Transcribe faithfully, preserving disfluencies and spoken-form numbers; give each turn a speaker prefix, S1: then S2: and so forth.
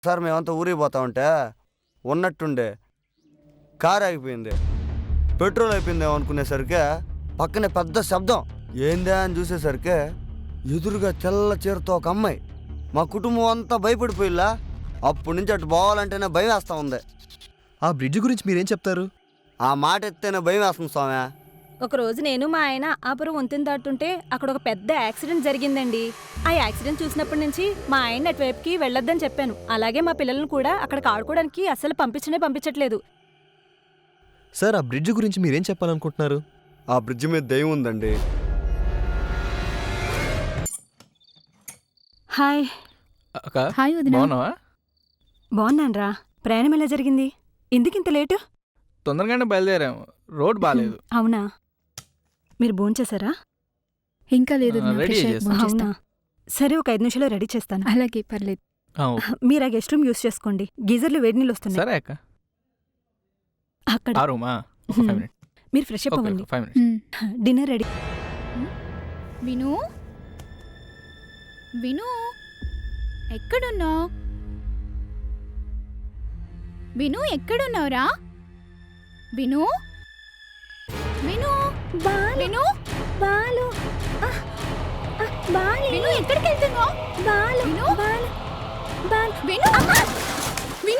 S1: Sir మేమంతా ఊరికి పోతా ఉంటే ఉన్నట్టుండే కారు ఆగిపోయింది. పెట్రోల్ అయిపోయిందేమో అనుకునేసరికి పక్కనే పెద్ద శబ్దం. ఏందా అని చూసేసరికి ఎదురుగా తెల్ల చీరతో ఒక అమ్మాయి. మా కుటుంబం అంతా భయపడిపోయిలా. అప్పటి నుంచి అటు పోవాలంటేనే భయం వేస్తూ ఉంది.
S2: ఆ బ్రిడ్జ్ గురించి మీరేం చెప్తారు?
S1: ఆ మాట ఎత్తేనే భయం వేస్తుంది స్వామి.
S3: ఒకరోజు నేను మా ఆయన ఆపురం వంతెన దాటుంటే అక్కడ ఒక పెద్ద యాక్సిడెంట్ జరిగిందండి. ఆ యాక్సిడెంట్ చూసినప్పటి నుంచి మా ఆయన అటువైపుకి వెళ్ళొద్దని చెప్పాను. అలాగే మా పిల్లలను కూడా అక్కడికి ఆడుకోవడానికి అస్సలు పంపించనే పంపించట్లేదు.
S2: సార్ ఆ బ్రిడ్జ్ గురించి మీరేం చెప్పాలనుకుంటున్నారు?
S1: ఆ బ్రిడ్జ్ మీద దయ్యం ఉందండి.
S3: హాయ్.
S4: హాయ్ వదినా.
S5: బాగున్నావా?
S3: బాగున్నాను రా. ప్రయాణం ఎలా జరిగింది? ఎందుకింత లేటు?
S5: తొందరగానే బయలుదేరాము, రోడ్ బాగాలేదు.
S3: అవునా? మీరు భోంచేశారా?
S4: ఇంకా లేదు
S5: ఆ, రెడీ చేస్తా.
S3: అవునా? సరే, ఒక ఐదు నిమిషాలు రెడీ చేస్తాను.
S4: అలాగే పర్లేదు.
S5: ఆ, ఓకే.
S3: మీరు ఆ గెస్ట్ రూమ్ యూస్ చేసుకోండి. గీజర్లు వేడి నీళ్ళు వస్తున్నాయి.
S5: సరే అక్క.
S3: అక్కడ
S5: ఆ రూమా? ఒక ఫైవ్ మినిట్స్.
S3: మీరు ఫ్రెష్ అప్
S5: ఓకే,
S3: అవ్వండి.
S5: Five minutes.
S4: మ్.
S3: Dinner ready.
S4: విను విను ఎక్కడున్నావు? విను ఎక్కడున్నావురా? విను విను విను
S3: బాలు
S4: విను ఎక్కడికి వెళ్తున్నావు?
S3: బాలు
S4: విను
S3: బాలు బాలు
S4: విను